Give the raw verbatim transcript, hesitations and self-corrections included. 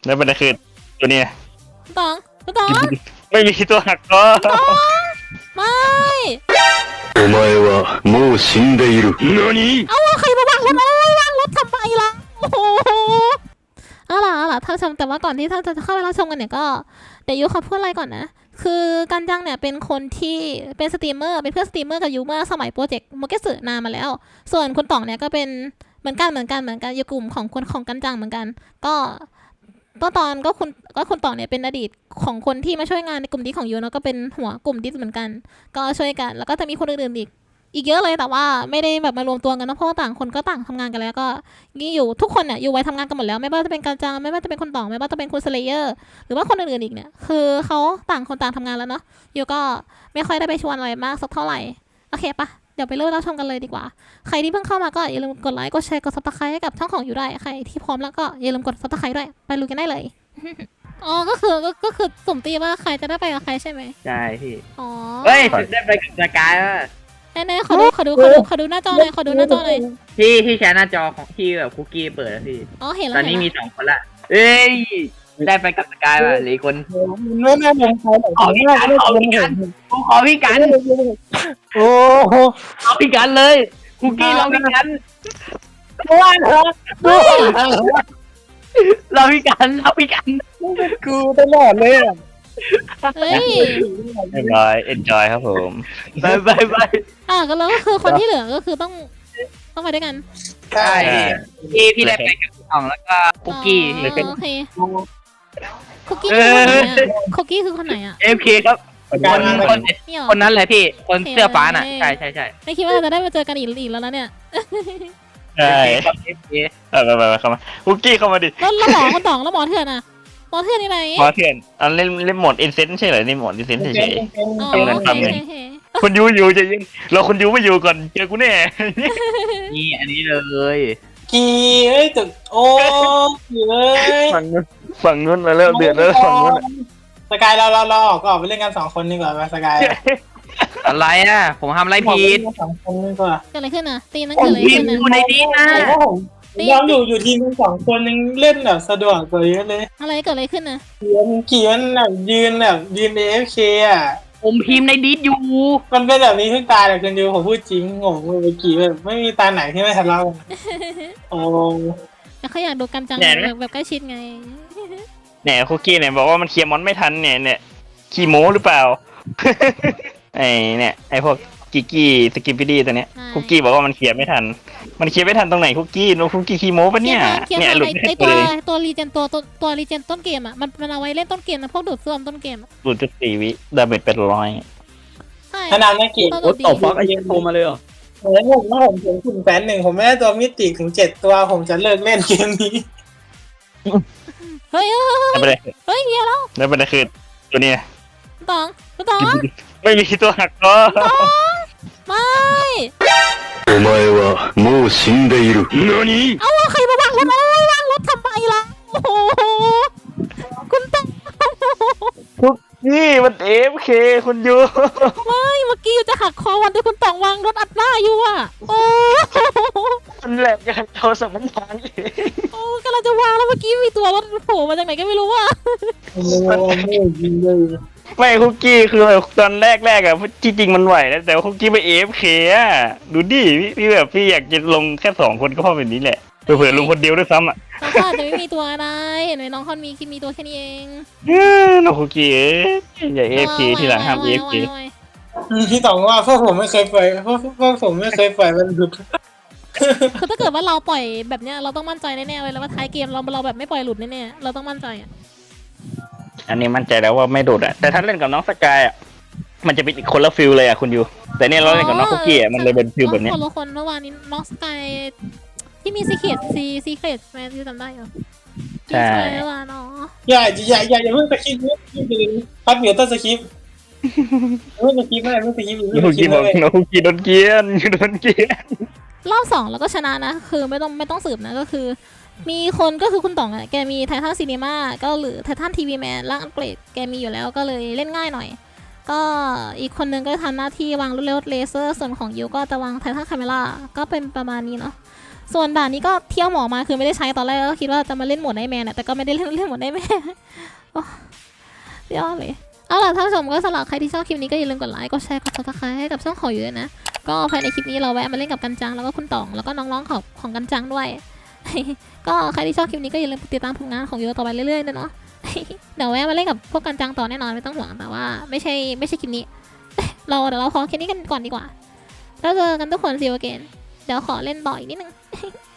แล้วประเด็นคือตัวเนี้ยตองตองไม่มีตัวหักคอไม่お前はもう死んでいる。何？ เอาใครมาวางรถเอาวางรถทำไมล่ะโอ้โหเอาล่ะเอาล่ะท่านชมแต่ว่าก่อนที่ท่านจะเข้าไปรับชมกันเนี่ยก็เดี๋ยวยูขอพูดอะไรก่อนนะคือกันจังเนี่ยเป็นคนที่เป็นสตรีมเมอร์เป็นเพื่อนสตรีมเมอร์กับยูเมื่อสมัยโปรเจกต์โมเกสึนานมาแล้วส่วนคุณต่องเนี่ยก็เป็นเหมือนกันเหมือนกันเหมือนกันอยู่กลุ่มของคนของกันจังเหมือนกันก็ตอนตอนก็คุณก็คุณต่องเนี่ยเป็นอดีตของคนที่มาช่วยงานในกลุ่มดิสของยูเนาะก็เป็นหัวกลุ่มดิสเหมือนกันก็ช่วยกันแล้วก็จะมีคนอื่นๆอีกอีกเยอะเลยแต่ว่าไม่ได้แบบมารวมตัวกันนะเพราะว่าต่างคนก็ต่างทำงานกันแล้วก็นี่อยู่ทุกคนเนี่ยอยู่ไว้ทำงานกันหมดแล้วไม่ว่าจะเป็นกันจังไม่ว่าจะเป็นคนต่องไม่ว่าจะเป็นคุณสเลเยอร์หรือว่าคนอื่นๆอีกเนี่ยคือเขาต่างคนต่างทำงานแล้วเนาะยูก็ไม่ค่อยได้ไปชวนอะไรมากสักเท่าไหร่โอเคปะเดี๋ยวไปเริ่มรับชมกันเลยดีกว่าใครที่เพิ่งเข้ามาก็อย่าลืมกดไลค์กดแชร์กดซับสไครต์ให้กับช่องของยูด้วยใครที่พร้อมแล้วก็อย่าลืมกดซับสไครต์ด้วยไปลุยกันได้เลย อ๋อก็คือก็ก็คือสุ่มตีว่าใครจะได้ไปกับใครใช่ไหมใช่พี่อ๋อเฮ้ยได้ไปกับสกายว่ะแน่ๆขอดูขอดูขอดูขอดูหน้าจอเลยขอดูหน้าจอเลยที่ที่แชร์หน้าจอของที่แบบคุกกี้เปิดแล้วพี่อ๋อเห็นแล้วตอนนี้มีสองคนละเอ้ยได้ไปกับสกายว่ะหรือคนไม่แน่ผมขอขอพี่กันขอพี่กันกูขอพี่กันโอ้โหขอพี่กันเลยคุกกี้ลองพี่กันว้าวเราพี่กันเราพี่กันกูตลอดเลยอ่ะเฮ้ยเรียบร้อย enjoy ครับผมไปไปไปอ่ะก็แล้วก็คือคนที่เหลือก็คือต้องต้องไปด้วยกันใช่พี่พี่ได้ไปกับพี่อ๋องแล้วก็คุกกี้อ๋อโอเคคุกกี้คือคนไหนอ่ะคุกกี้คือคนไหนอ่ะเอฟเคครับคนคนนี่หรอคนนั้นเลยพี่คนเสื้อฟ้าน่ะใช่ใช่ใช่ไม่คิดว่าเราจะได้มาเจอกันอีกอีกแล้วนะเนี่ยใช่เอฟเคไปไปไปเข้ามาคุกกี้เข้ามาดิแล้วแล้วหมอคนต่องแล้วหมอเถื่อนอ่ะหมอเถื่อนที่ไหนหมอเถื่อนอันเล่นเล่นโหมดอินเซนใช่เหรอนี่โหมดอินเซนเฉยอ๋อเป็นโอทำเคไงโอเคๆคนยูอยู่จะยิงเราคนยูไม่อยู่ก่อนเจอกูแน่นี่อันนี้เลยกี่เอ้ยตึกโอ้กี่เลยฝั่งนู้นฝั่งนู้นมาแล้วเดือดแล้วฝั่งนู้นสกายเราเราเราออกก็ออกไปเล่นกันสองคนดีกว่าไหมสกายอะไรอ่ะผมทำอะไรผิดสองคนดีกว่าเกิดอะไรขึ้นอ่ะตีนั้นเกิดอะไรพี่ขึ้นออ่ะยู่ในนี้นะผมว่าผมยอมอยู่อยู่ทีมกันสองคนยังเล่นแบบสะดวกกว่าเยอะเลยอะไรเกิดอะไรขึ้นอ่ะเขียนเขียนแบบยืนแบบยืนเอฟเคอ่ะผมพิมพ์ในดิสอยู่มันเป็นแบบนี้ทุกตาแต่คนดูผมพูดจริงผมเมื่อกี้แบบไม่มีตาไหนที่ไม่ทะเลาะกันโอ้แต่เขาอยากดูกันจังแบบแบบใกล้ชิดไงเนี่ยคุกกี้เนี่ยบอกว่ามันเคลียร์มอนไม่ทันเนี่ยเนี่ยขี้โม้หรือเปล่า ไอเนี่ยไอพวกกิกกี้สกิปปี้ดี้ตัวเนี้ยคุกกี้บอกว่ามันเคลียร์ไม่ทันมันเคลียร์ไม่ทันตรงไหนคุกกี้โนคุกกี้ขี้โม้ปะเนี่ยเขียนเนี่ยมาหลุดไอไม่ตัวเลยตัวรีเจนตัวตัวตัวรีเจนต้นเกมอ่ะมันมันเอาไว้เล่นต้นเกมนะพวกดูดซ่วมต้นเกมหลุดจุดสี่วิดาเมจเป็นร้อยใช่ขนาดไม่กี่ตัวโอ้ดูดตบดีฟักไอ้เหี้ยโทรมาเลยเหรอเหมือนผมว่าผมถึงถึงแสนหนึ่งผมไม่ได้ตัวมิติถึงเจ็ดตัวผมจะเลิกเล่นเกมนี้เฮ้ยเฮ้ยแล้วประเด็นเฮ้ยเฮียแล้วแล้วประเด็นคือตัวเนี้ยตองตองไม่มีตัวหักคอไม่お前はもう死んでいる。何？ เอาใครมาวางรถเอาวางรถทำไมล่ะโอ้โหคุณตองคุกกี้มันเอฟเคคุณยูไม่เมื่อกี้จะหักคอวันที่คุณตองวางรถอัดหน้าอยู่อ่ะโอ้มันแหลกอย่างโทรศัพท์มันพังโอ้กำลังจะวางแล้วเมื่อกี้มีตัวรถโผล่มาจากไหนก็ไม่รู้อ่ะโอ้โหไม่ยิงเลยไม่คุกกี้คือแบบตอนแรกแรกๆอะที่จริงมันไหวนะแต่ว่าคุกกี้ไปเอฟเคอะดูดิพี่พี่แบบพี่อยากจะลงแค่สองคนก็พอแบบนี้แหละเผื่อๆลงคนเดียวด้วยซ้ำอะน้องก็อาจจะไม่มีตัวอะไรเห็นไหมน้องคอนมีคิดมีตัวแค่นี้เองเอ้อน้องคุกกี้เอ้ยอย่าเอฟเคทีหลังห้ามเอฟเคพี่ต๋องว่าพวกผมไม่เคยปล่อยพวกพวกผมไม่เคยปล่อยมันหลุดคือถ้าเกิดว่าเราปล่อยแบบเนี้ยเราต้องมั่นใจแน่ๆเลยแล้วว่าท้ายเกมเราเราแบบไม่ปล่อยหลุดแน่ๆเราต้องมั่นใจอ่ะอันนี้มั่นใจแล้วว่าไม่โดดอะแต่ถ้าเล่นกับน้องสกายอะมันจะเป็นอีกคนละฟิลเลยอะคุณยูแต่เนี่ยเราเล่นกับน้องคุกกี้อะมันเลยเป็นฟิลแบบเนี้ยคนละคนเมื่อวานนี้น้องสกายที่มีซีเคทซีซีเคทแมนที่จำได้เหรอใช่เมื่อวานเนาะอย่าอย่าอย่าอย่าเพิ่งสคริปต์นี่คือพัดเหมียวต้นสคริปต์เพิ่งสคริปต์ไม่เพิ่งสคริปต์น้เพิ่องงคุสกคริกี้ปต์บอกเลยน้องคุกกี้โดนเกลียนโดนเกลียนรอบสองเราก็ชนะนะคือไม่ต้องไม่ต้องสืบนะก็คือ มีคนก็คือคุณต่องอะแกมีไททันซีนีมาก็หรือไททันทีวีแมนร่างอัปเกรดแกมีอยู่แล้วก็เลยเล่นง่ายหน่อย ก็อีกคนนึงก็ทำหน้าที่วางลูกเลเซอร์ส่วนของยูก็จะวางไททันคาเมล่าก็เป็นประมาณนี้เนาะส่วนด่านนี้ก็เที่ยวหมอมาคือไม่ได้ใช้ตอนแรกก็คิดว่าจะมาเล่นโหมดไนท์แมนแต่ก็ไม่ได้เล่นเล่นโหมดไนท์แมนโอ้ยอดเลยเอาล่ะท่านผู้ชมก็สำหรับใครที่ชอบคลิปนี้ก็อย่าลืมกดไลค์กดแชร์กดซับสไครต์ให้กับช่องของอยู่ด้วยนะก็ภายในคลิปนี้เราแวะมาเล่นกับกันจังแล้วก็คุณต๋องแล้วก็น้องๆของของกันจังด้วย ก็ใครที่ชอบคลิปนี้ก็อย่าลืมติดตามผลงานของยูต่อไปเรื่อยๆนะเนาะ เดี๋ยวแวะมาเล่นกับพวกกันจังต่อแน่นอนไม่ต้องห่วงแต่ว่าไม่ใช่ไม่ใช่คลิปนี้ เราเดี๋ยวเราขอแค่นี้กันก่อนดีกว่าแล้วเจอกันทุกคนซีโอเกนเดี๋ยวขอเล่นต่ออีกนิดนึง